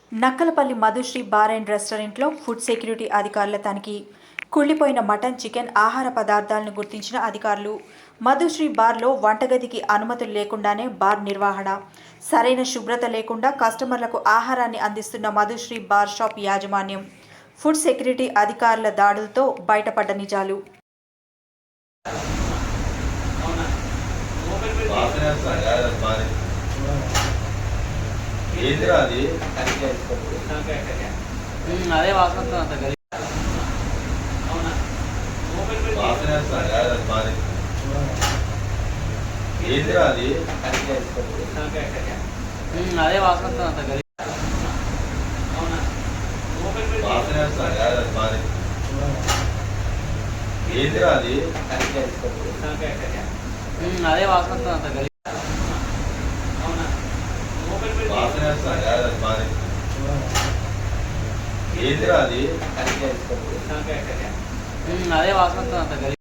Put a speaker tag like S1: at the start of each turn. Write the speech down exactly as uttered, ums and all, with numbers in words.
S1: Nakkalapalli Madhushree bar and రెస్టారెంట్లో food security అధికారుల తనిఖీ. కుళ్ళిపోయిన మటన్, చికెన్ ఆహార పదార్థాలను గుర్తించిన అధికారులు. మధుశ్రీ బార్లో వంటగదికి అనుమతులు లేకుండానే బార్ నిర్వహణ. సరైన శుభ్రత లేకుండా కస్టమర్లకు ఆహారాన్ని అందిస్తున్న మధుశ్రీ బార్ షాప్ యాజమాన్యం. ఫుడ్ సెక్యూరిటీ అధికారుల దాడులతో బయటపడ్డ నిజాలు.
S2: అదే వాసన అంత గది అదే వాసన అంత గది అదే వాసన అంత గది అదే వాసన అంత గది